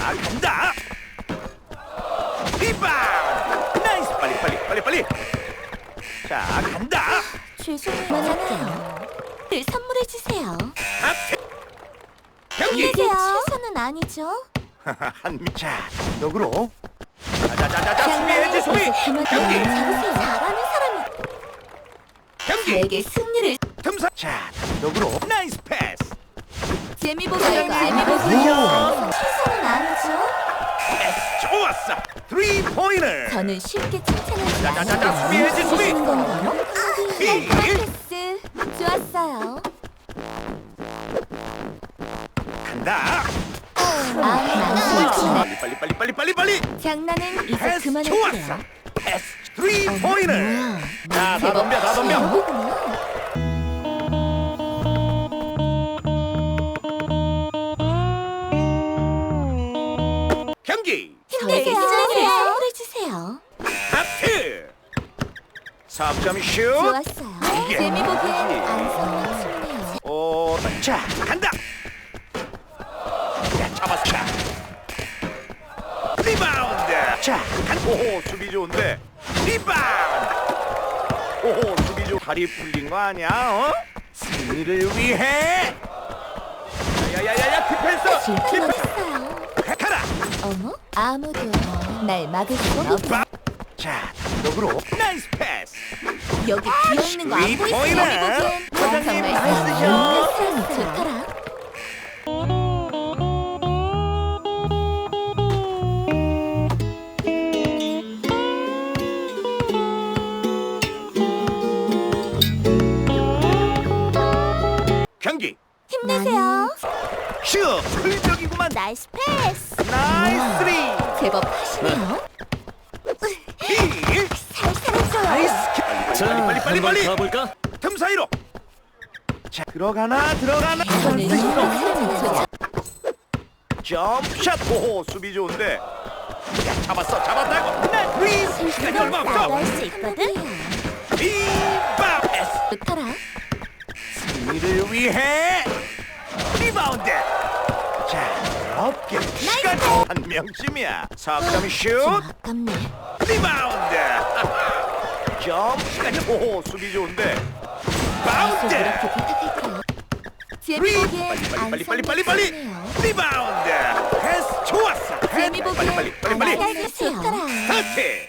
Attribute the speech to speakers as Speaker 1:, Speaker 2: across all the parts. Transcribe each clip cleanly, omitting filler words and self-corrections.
Speaker 1: 간다. 리바운드. 나이스. 빨리. 자, 간다.
Speaker 2: 죄송해요. 늘 선물해 주세요.
Speaker 1: 앞에. 경기.
Speaker 2: 이게 최선은 아니죠?
Speaker 1: 자, 너그로. 자자자자 수비해야지 수비. 경기.
Speaker 2: 잘하는 사람이
Speaker 1: 경기.
Speaker 2: 저에게 승리를.
Speaker 1: 틈사. 자, 너그로. 나이스 패스.
Speaker 2: 재미보기요. 최선은 아니죠?
Speaker 1: 패스 좋았어. 3포인트.
Speaker 2: 저는 쉽게 칭찬하지
Speaker 1: 자자자자
Speaker 2: 않아요.
Speaker 1: 수비해야지 수비.
Speaker 2: 건가요?
Speaker 1: 히.
Speaker 2: 패스 좋았어요.
Speaker 1: 간다. 빨리.
Speaker 2: 장난은 이제
Speaker 1: 패스 좋았어.
Speaker 2: 그만할게요.
Speaker 1: 패스 3포인트. 자, 다 덤벼. 경기.
Speaker 2: 힘내세요. 선물해 주세요.
Speaker 1: 하트. 3점 슛.
Speaker 2: 좋았어요.
Speaker 1: 이게
Speaker 2: 재미보기엔
Speaker 1: 뭐지?
Speaker 2: 안 성공했네요.
Speaker 1: 자, 간다. 야, 잡았어. 리바운드. 자, 오호, 수비 좋은데. 리바운드. 오호, 수비 좋. 다리 풀린 거 아니야? 어? 승리를 위해. 야야야야, 디펜스.
Speaker 2: 실패했어요.
Speaker 1: 가라.
Speaker 2: 어머? 아무도 날 막을 수 없어.
Speaker 1: 자, 너그로. 나이스 패스.
Speaker 2: 여기 비어있는 거 안 보이세요?
Speaker 1: 보이네.
Speaker 2: 재미보기엔
Speaker 1: 사장님,
Speaker 2: 정말
Speaker 1: 나이스죠?
Speaker 2: 사람이 좋더라.
Speaker 1: 경기.
Speaker 2: 힘내세요.
Speaker 1: 슛. 흘적이구만.
Speaker 2: 나이스 패스.
Speaker 1: 나이스 쓰리.
Speaker 2: 제법 하시네요.
Speaker 1: 히.
Speaker 2: 살살했어요.
Speaker 1: 나이스. 빨리.
Speaker 3: 가볼까?
Speaker 1: 틈 사이로. 자, 들어가나.
Speaker 2: 저는 이런 사람이 좋죠.
Speaker 1: 점샷. 오호, 수비 좋은데. 야, 잡았다고. 나 프리. 시간이 얼마 없어.
Speaker 2: 나갈 수 있거든.
Speaker 1: 리바 패스.
Speaker 2: 좋더라.
Speaker 1: 승리를 위해 리바운드. 자, 어깨 시간 한 명쯤이야. 3점
Speaker 2: 좀
Speaker 1: 슛.
Speaker 2: 아깝네.
Speaker 1: 리바운드. 점 시간이. 오호, 수비 좋은데.
Speaker 2: 계속
Speaker 1: 바운드.
Speaker 2: 이렇게 부탁할게요. 재미보기엔 안
Speaker 1: 빨리.
Speaker 2: 성공했네요.
Speaker 1: 리바운드. 패스 좋았어.
Speaker 2: 재미보기엔
Speaker 1: 빨리.
Speaker 2: 안 좋더라.
Speaker 1: 하트.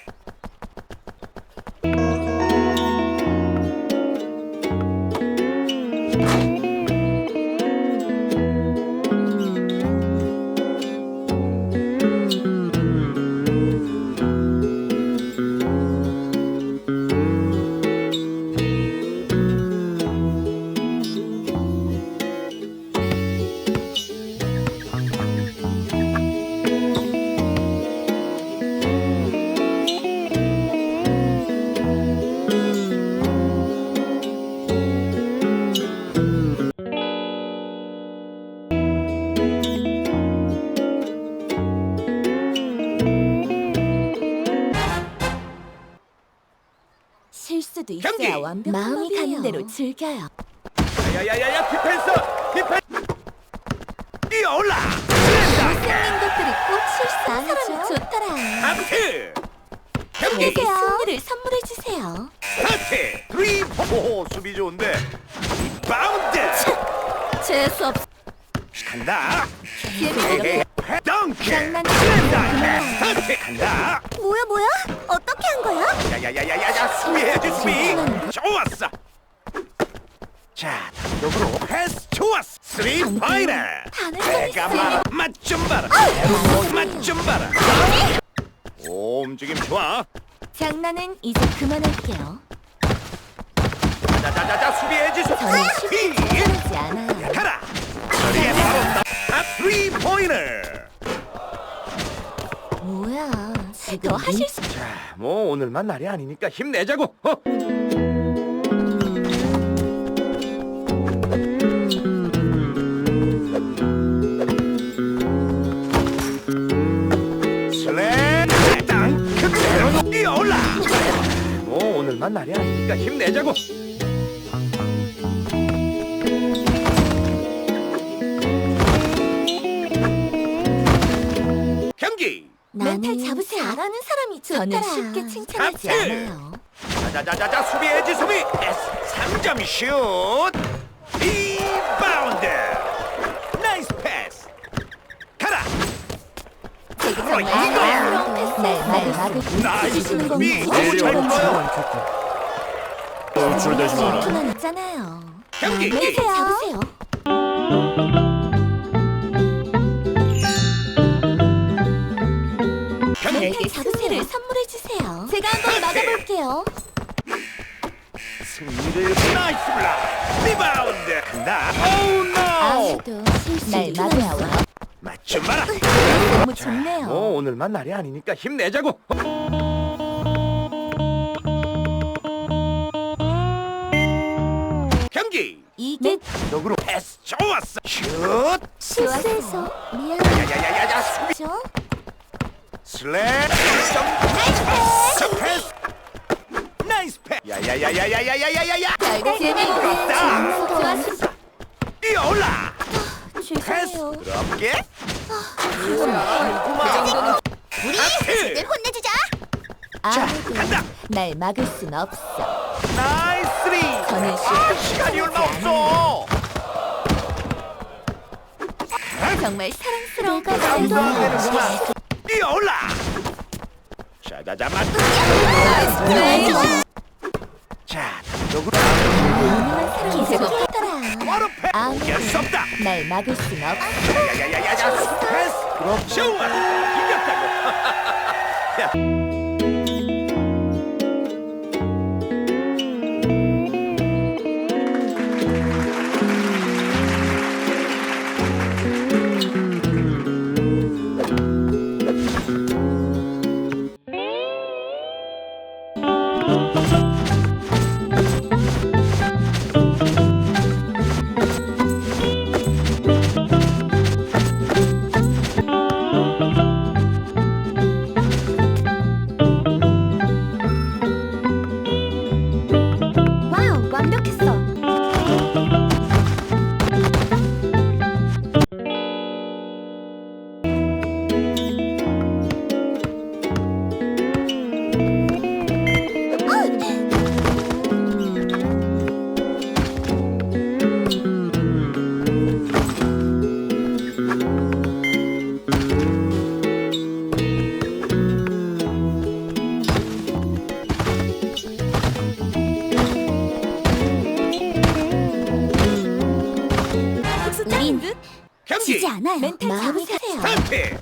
Speaker 2: 실수도
Speaker 1: 경기!
Speaker 2: 있어야 완벽한 마음이 가는 대로 즐겨요.
Speaker 1: 야야야야, 디펜스. 뛰어올라.
Speaker 2: 생긴 것들이 꼭 실수하는 사람이 좋더라.
Speaker 1: 하트. 경기.
Speaker 2: 저에게 승리를 선물해 주세요.
Speaker 1: 하트. 3. 오호, 수비 좋은데. 리바운드.
Speaker 2: 재수 없.
Speaker 1: 간다.
Speaker 2: 재미있게.
Speaker 1: 덩크.
Speaker 2: 장난치
Speaker 1: 하트. 간다.
Speaker 2: 뭐야? 어떻게 한 거야?
Speaker 1: 야야야야야, 수비해야지 수비. 좋았어. 자, 역으로 패스 좋았어. 3포인트. 내가 맛좀 봐라. 맛좀 봐라. 오, 움직임 좋아.
Speaker 2: 장난은 이제 그만할게요.
Speaker 1: 자자자자, 수비해야지
Speaker 2: 저는
Speaker 1: 수비.
Speaker 2: 쉽게 칭찬하지 않아요.
Speaker 1: 가라. 저리에 바로 나 3포인트.
Speaker 2: 뭐야? 지금 하실 수.
Speaker 1: 자, 뭐 오늘만 날이 아니니까 힘내자고. 슬램 땅 그대로 뛰어올라. 뭐 오늘만 날이 아니니까 힘내자고. 경기.
Speaker 2: 멘탈 잡으세요. 잘하는 사람이 좋더라. 저는 쉽게 칭찬하지
Speaker 1: 하트.
Speaker 2: 않아요.
Speaker 1: 자자자자자 수비 에지 수비. S 3점 슛. 리바운드. 나이스 패스. 가라.
Speaker 2: 되게 정말
Speaker 1: 이거야.
Speaker 2: 사랑스러운 패스. 날 막을
Speaker 1: 나이스
Speaker 2: 주시는
Speaker 1: 수비.
Speaker 2: 건가요?
Speaker 1: 너무 잘 보여.
Speaker 3: 돌출되지 마라.
Speaker 2: 질투는 있잖아요.
Speaker 1: 경기.
Speaker 2: 멘탈 잡으세요.
Speaker 1: 경기.
Speaker 2: 멘탈 잡으세요. 선물해 주세요. 제가 한번 막아볼게요.
Speaker 1: 승리를 나이스 블락. 리바운드. 간다. 오우 노.
Speaker 2: 아무도 날 막으세요.
Speaker 1: 맞춤 마라.
Speaker 2: 너무 좋네요.
Speaker 1: 오늘만 날이 아니니까 힘내자고. 경기.
Speaker 2: 이게
Speaker 1: 역으로 패스 좋았어. 슛.
Speaker 2: 실수해서 미안해요.
Speaker 1: 야야야야야 수비. 슬랩. 나이스 패스. 나이스 패스. 야야야야야야야야야.
Speaker 2: 결국 재미있게
Speaker 1: 부럽다.
Speaker 2: 좋았어.
Speaker 1: 뛰어올라. 패스.
Speaker 2: 죄송해요.
Speaker 1: 부럽게.
Speaker 2: 우리
Speaker 1: 하트.
Speaker 2: 혼내주자.
Speaker 1: 자,
Speaker 2: 아무도
Speaker 1: 간다.
Speaker 2: 날 막을 순 없어.
Speaker 1: 나이스 쓰리.
Speaker 2: 저는
Speaker 1: 시간이 얼마 없어.
Speaker 2: 정말 사랑스러운
Speaker 1: 말도 안
Speaker 2: 가수예요.
Speaker 1: 되는구만. 뛰어올라. 자자자 맞. 자, 역으로
Speaker 2: 유능한 사람이 좋더라.
Speaker 1: 바로 패스.
Speaker 2: 아무도
Speaker 1: 이길 수 없다.
Speaker 2: 날 막을 순 없어.
Speaker 1: 야야야야야 패스. 그럼 좋아. 이겼다고. 야.
Speaker 2: 와우, 완벽했어. 우린
Speaker 1: 경기.
Speaker 2: 지지 않아요. 멘탈 잡으세요.
Speaker 1: 스타트.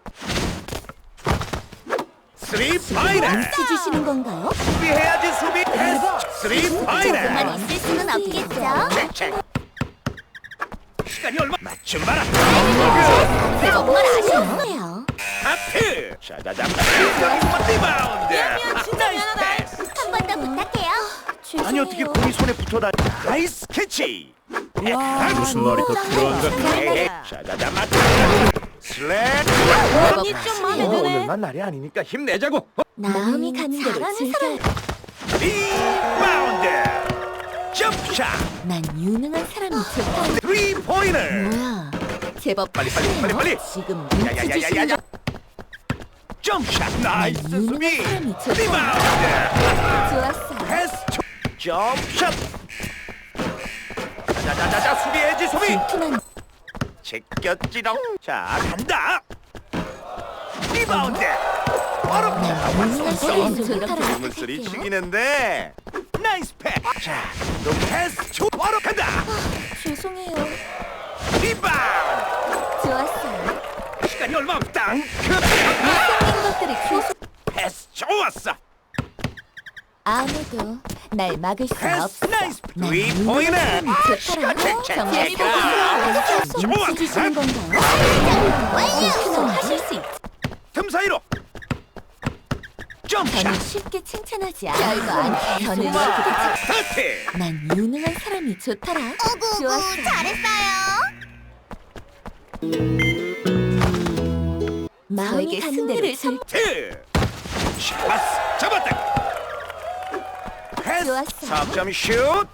Speaker 1: 쓰리 파이널.
Speaker 2: 눈치 주시는 건가요?
Speaker 1: 수비해야지 수비. 패스. 쓰리
Speaker 2: 조금만
Speaker 1: 파이널.
Speaker 2: 있을 수는 없겠죠.
Speaker 1: 체크. 시간이 얼마? 맞춤 봐라.
Speaker 2: 정말 아쉬워요.
Speaker 1: 하트. 자자자. 리바운드. 나이스 패스.
Speaker 2: 한 번 더 부탁해요.
Speaker 1: 아니 어떻게 공이 손에 붙어다. 나이스 캐치.
Speaker 3: 무슨 말이 더 필요한가?
Speaker 1: 자자자 맞다. 슬랩.
Speaker 2: 언니 좀 마음에 드네.
Speaker 1: 오늘만 날이 아니니까 힘내자고.
Speaker 2: 마음이 가는 대로 즐겨요.
Speaker 1: 리바운드. 점샷.
Speaker 2: 난 유능한 사람이 좋다.
Speaker 1: 3포인트.
Speaker 2: 뭐야? 제법
Speaker 1: 빨리, 빨리.
Speaker 2: 지금 눈치 주시는
Speaker 1: 야야야야야야. 점샷. 나이스
Speaker 2: 유능한
Speaker 1: 수비.
Speaker 2: 사람이 좋다.
Speaker 1: 리바운드.
Speaker 2: 좋았어요.
Speaker 1: 패스. 점샷. 자자자자 수비해지 수비.
Speaker 2: 질투난
Speaker 1: 제꼈지롱. 자 간다. 리바운드. 바로
Speaker 2: 유능한 사람이 좋다.
Speaker 1: 물소리 죽이는데. 나이스 패스. 자, 너 패스. 바로 간다.
Speaker 2: 죄송해요.
Speaker 1: 리바운드.
Speaker 2: 좋았어요.
Speaker 1: 시간이 얼마 없다.
Speaker 2: 생긴 것들이 계속
Speaker 1: 패스 좋았어.
Speaker 2: 아무도 날 막을 수
Speaker 1: 패스
Speaker 2: 없어.
Speaker 1: 나이스.
Speaker 2: 난
Speaker 1: 3포인트.
Speaker 2: 유능한 사람이 좋더라. 정말
Speaker 1: 체크.
Speaker 2: 눈치 주시는 건가요? 질투는 하실 수 있죠.
Speaker 1: 틈 사이로. 점샷.
Speaker 2: 저는 쉽게 칭찬하지 않아요. 별거 아니에요. 저는 이렇게
Speaker 1: 스타트.
Speaker 2: 난 유능한 사람이 좋더라. 좋았어. 마음이 가는 대로 선
Speaker 1: 트. 샷. 잡았다. 패스.
Speaker 2: 좋았어.
Speaker 1: 3점 슛.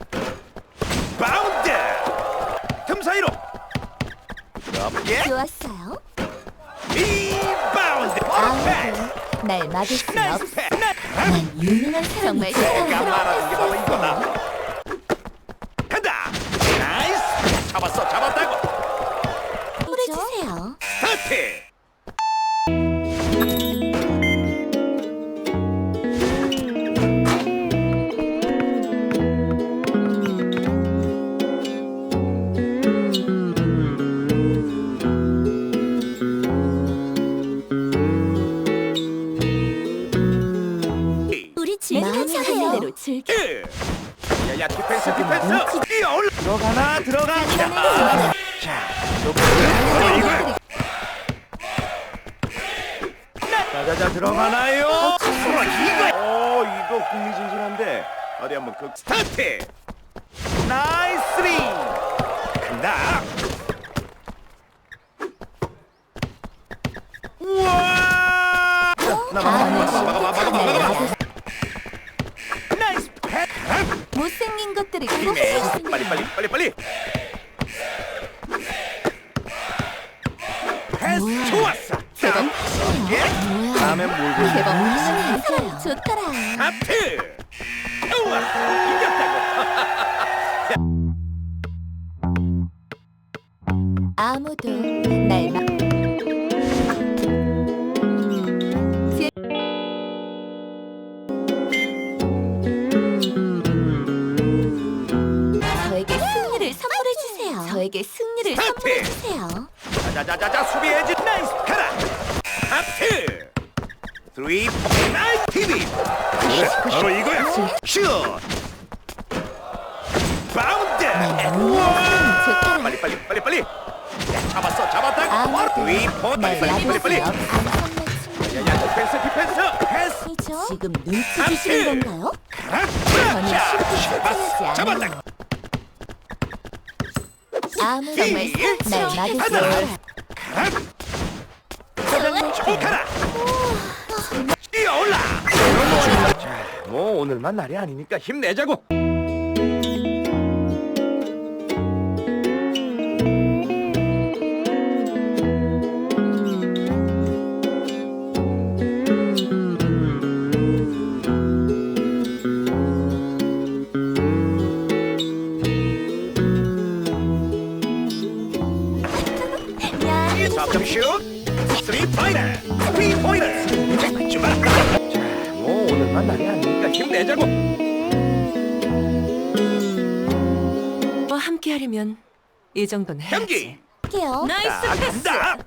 Speaker 1: 바운드. 틈 사이로. 부드럽게.
Speaker 2: 좋았어요.
Speaker 1: 리바운드.
Speaker 2: 날 막을 수
Speaker 1: 나이스
Speaker 2: 없어.
Speaker 1: 패스.
Speaker 2: 난 유능한 정말
Speaker 1: 내가 말하는 게 바로
Speaker 2: 사랑스러운
Speaker 1: 이거다. 간다. 나이스. 잡았다고.
Speaker 2: 물을 주세요.
Speaker 1: 스타트.
Speaker 2: 우리 마음에 하는 대로 즐겨.
Speaker 1: 야야 디펜스 뛰어올라. 들어가. 자, 이거. 자자자 들어가나요? 이거 흥미진진한데 어디 한번 그 스타트. 나이스 쓰리. 간다. 우와. 막아. 나이스 패스.
Speaker 2: 못생긴 것들이
Speaker 1: 힘내.
Speaker 2: 꼭
Speaker 1: 빨리. 패스 좋았어.
Speaker 2: 대박.
Speaker 1: 예? 다음엔 뭘 보여?
Speaker 2: 대박. 사람 좋더라.
Speaker 1: 하트. 좋았어. 이겼다고.
Speaker 2: 아무도 날 막. 저에게 승리를 선물해 주세요. 저에게 승리를
Speaker 1: 스타트!
Speaker 2: 선물해 주세요.
Speaker 1: 자자자자 수비해지. 나이스 가라. 하트. 3 나이스 TV. 바로 이거야. 슛. 바운드. 우와.
Speaker 2: 좋더라.
Speaker 1: 빨리. 야, 잡았다고.
Speaker 2: 아무도
Speaker 1: 3포.
Speaker 2: 날 막을 수
Speaker 1: 빨리.
Speaker 2: 없어.
Speaker 1: 야야 디펜스. 패스.
Speaker 2: 이죠? 지금 눈치 주시는 건가요?
Speaker 1: 자, 잡았다.
Speaker 2: 아무도 날 막을 수
Speaker 1: 하나.
Speaker 2: 없어.
Speaker 1: 초카라. 뛰어올라. 자, 뭐 오늘만 날이 아니니까 힘내자고.
Speaker 2: 야,
Speaker 1: 석점슛 3포인트 주마. 자, 뭐 오늘만 날이 아니니까 힘내자고.
Speaker 4: 뭐 함께 하려면 이 정도는 해야지.
Speaker 1: 경기
Speaker 2: 할게요.
Speaker 4: 나이스 패스.
Speaker 1: 간다.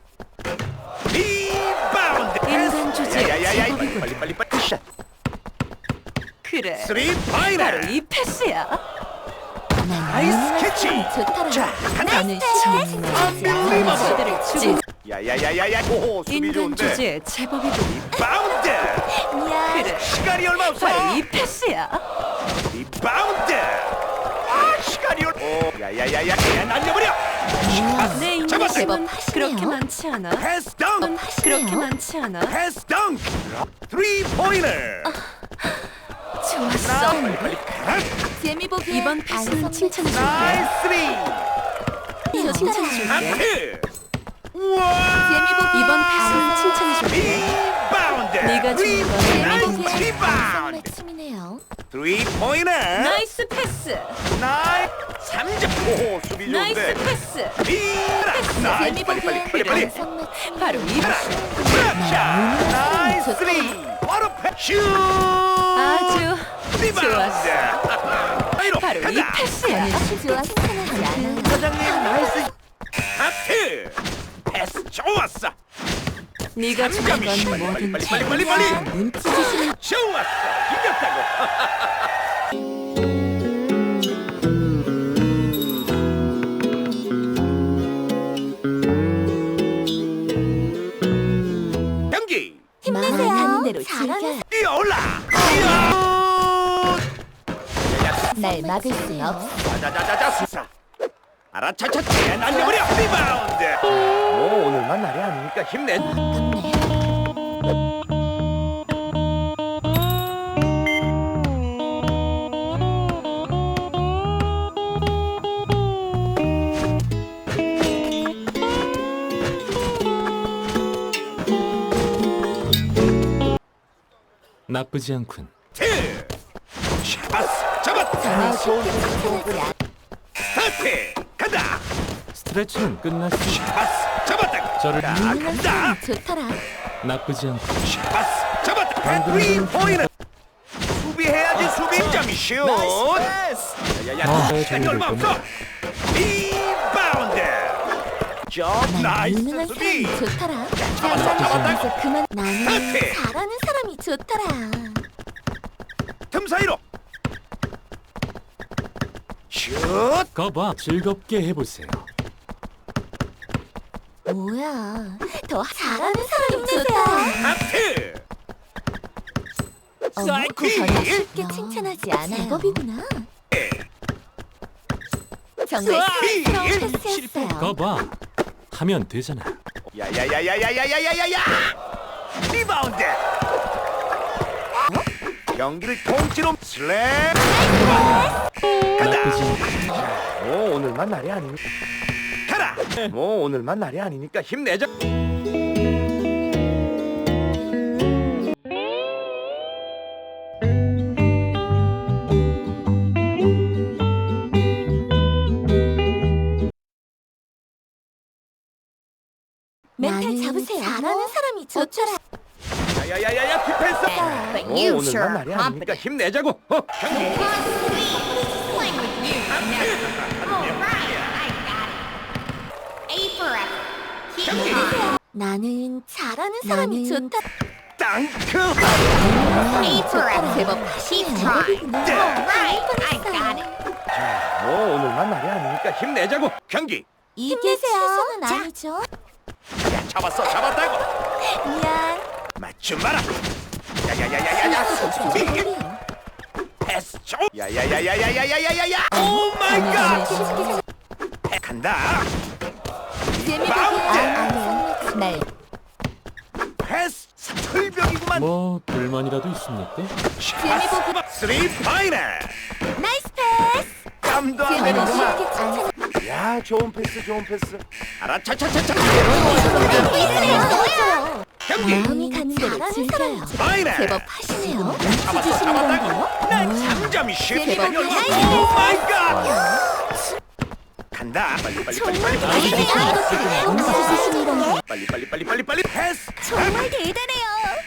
Speaker 1: 리바운드.
Speaker 4: 인간 주제에
Speaker 1: 야야야야
Speaker 4: 제법이군.
Speaker 1: 빨리 샷.
Speaker 4: 그래.
Speaker 1: 3포인트.
Speaker 4: 바로 이 패스야.
Speaker 1: 나이스 캐치.
Speaker 2: 좋더라.
Speaker 1: 자, 간다.
Speaker 4: 나는 정말 수들을 주고
Speaker 1: 야야야야야. 오호 수비
Speaker 4: 인간
Speaker 1: 좋은데.
Speaker 4: 주제에 제법이군.
Speaker 1: 바운드.
Speaker 2: 야,
Speaker 4: 그래.
Speaker 1: 시간이 얼마 없어.
Speaker 4: 바로 이 패스야.
Speaker 1: 리바운드. 시간이 야야야야. 그냥 날려버려.
Speaker 4: 내
Speaker 1: 잡았어.
Speaker 4: 인간은
Speaker 2: 하시네요.
Speaker 4: 그렇게 많지 않아.
Speaker 1: 패스 덩크.
Speaker 4: 그렇게 많지 않아.
Speaker 1: 패스 덩크. 3포인트.
Speaker 4: 좋았어.
Speaker 1: 빨리.
Speaker 2: 재미 보기
Speaker 4: 이번 패스는 칭찬해줄게.
Speaker 1: 나이스 쓰리.
Speaker 4: 이거 칭찬해줄게.
Speaker 1: 하트. 우와.
Speaker 4: 이번 패스는 칭찬해줄게.
Speaker 1: 리바운드.
Speaker 4: 네가 주는 건
Speaker 1: 나이스 리바운드.
Speaker 2: 매침이네요.
Speaker 1: 3포인트.
Speaker 4: 나이스 패스.
Speaker 1: 나이스 3점. 오호 수비
Speaker 4: 나이스
Speaker 1: 좋은데.
Speaker 4: 패스.
Speaker 1: 리라.
Speaker 2: 재미 보기
Speaker 1: 빨리.
Speaker 4: 바로 이 패스.
Speaker 1: 자, 나이스 쓰리. 바로 패스.
Speaker 4: 아주
Speaker 1: 리바운드.
Speaker 4: 좋았어.
Speaker 1: 사이로
Speaker 4: 바로 이
Speaker 1: 간다.
Speaker 4: 패스야.
Speaker 2: 좋아 칭찬하지 않아요.
Speaker 1: 사장님 나이스. 하트. 패스 좋았어.
Speaker 4: 네가 주는 건 뭐든지
Speaker 1: 빨리.
Speaker 2: 눈치 주시는
Speaker 1: 좋았어. 이겼다고. 경기
Speaker 2: 힘내세요. 하는 대로 잘하는
Speaker 1: 뛰어올라.
Speaker 2: 날 막을 수 없어.
Speaker 1: 자자자자자 수사. 알아차차 날려버려. 리바운드. 뭐 오늘만 날이 아니니까 힘내.
Speaker 2: 아깝네.
Speaker 3: 나쁘지 않군.
Speaker 1: 샤바스 잡았다.
Speaker 2: 정말 쉽게 칭찬하지 않아.
Speaker 1: 스타트 간다.
Speaker 3: 스트레칭은 끝났으니
Speaker 1: 샤바스 잡았다.
Speaker 3: 저를
Speaker 1: 자,
Speaker 2: 유능한
Speaker 1: 간다.
Speaker 2: 사람이 좋더라.
Speaker 3: 나쁘지 않군.
Speaker 1: 샤바스 잡았다. 트리 포인트. 수비해야지 수비. 점이 슛. 야야야. 시간이 얼마 없어. 리바운드. 점 나이스
Speaker 2: 유능한
Speaker 1: 수비.
Speaker 2: 사람이 좋더라.
Speaker 1: 잡았다.
Speaker 2: 이제 그만. 나는
Speaker 1: 스타트.
Speaker 2: 잘하는 사람이 좋더라.
Speaker 1: 틈 사이로. 슛.
Speaker 3: 거봐, 즐겁게 해보세요.
Speaker 2: 뭐야? 더 잘하는 사람이 좋더라.
Speaker 1: 하트.
Speaker 2: 어머,
Speaker 1: 사이클.
Speaker 2: 그 전혀 쉽게 칭찬하지 않아요. 제법이구나. 정말
Speaker 1: 사이클.
Speaker 2: 사랑스러운 패스였어요.
Speaker 3: 거봐, 하면 되잖아.
Speaker 1: 야야야야야야야야야야. 리바운드. 경기를 통째로 슬램.
Speaker 3: 나쁘지 않군.
Speaker 1: 뭐 오늘만 날이 아니니까 가라. 뭐 오늘만 날이 아니니까 힘내자.
Speaker 2: 멘탈 잡으세요. 잘하는 사람이 좋더라.
Speaker 1: 야야야야야 디펜스.
Speaker 2: But
Speaker 1: 뭐 오늘만 날이 아니니까 힘내자고. 경기.
Speaker 2: 나는 잘하는 사람이 좋다.
Speaker 1: 땅크.
Speaker 2: 제법 하시네요.
Speaker 1: 뭐 오늘만 날이 아니니까 힘내자고. 경기.
Speaker 2: 이게 최선은 아니죠.
Speaker 1: 야 잡았다고.
Speaker 2: 미안.
Speaker 1: 맞춤 마라. 야야야야야야. 수비. 패스 줘. 야야야야야야야야야. 오 마이 갓. 간다.
Speaker 2: 날
Speaker 1: 패스 철벽이구만.
Speaker 3: 뭐 불만이라도 있습니까?
Speaker 2: 재미보기.
Speaker 1: 쓰리 파이널.
Speaker 2: 나이스 패스.
Speaker 1: 깜도 안
Speaker 2: 재미는
Speaker 1: 되는구만.
Speaker 2: 쉽게 칭찬.
Speaker 1: 야 좋은 패스 좋은 패스. 알아 차차차차.
Speaker 2: 있어요.
Speaker 1: 경기.
Speaker 2: 마음이 가는 대로 즐겨요.
Speaker 1: 파이널.
Speaker 2: 제법 하시네요.
Speaker 1: 잡았어
Speaker 2: 주시는
Speaker 1: 잡았다고.
Speaker 2: 건가요?
Speaker 1: 난 3점이 슛.
Speaker 2: 제법
Speaker 1: 오
Speaker 2: 나이스.
Speaker 1: 마이 갓. 간다. 빨리.
Speaker 2: 주시는 건가요?
Speaker 1: 빨리 패스.
Speaker 2: 정말 대단해요.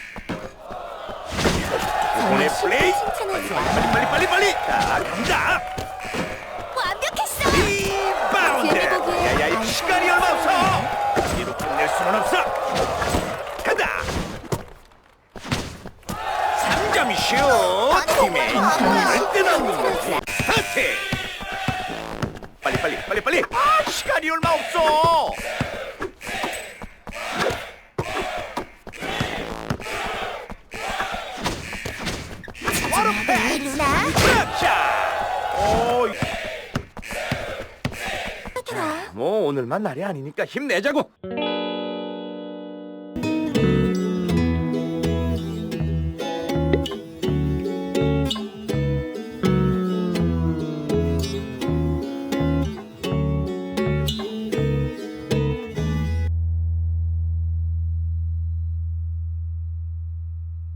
Speaker 1: 오늘 플레이.
Speaker 2: 칭찬하지 않아.
Speaker 1: 빨리. 자 간다.
Speaker 2: 완벽했어.
Speaker 1: 리바운드.
Speaker 2: 재미보기.
Speaker 1: 야야 시간이 얼마 없어. 이로 끝낼 수는 없어. 간다. 3점 슛. 팀의 힘을 뜨는 거지. 스타트. 빨리. 아 시간이 얼마 없어. 바로 패스.
Speaker 2: 루나.
Speaker 1: 자. 오.
Speaker 2: 하더라.
Speaker 1: 뭐 오늘만 날이 아니니까 힘내자고.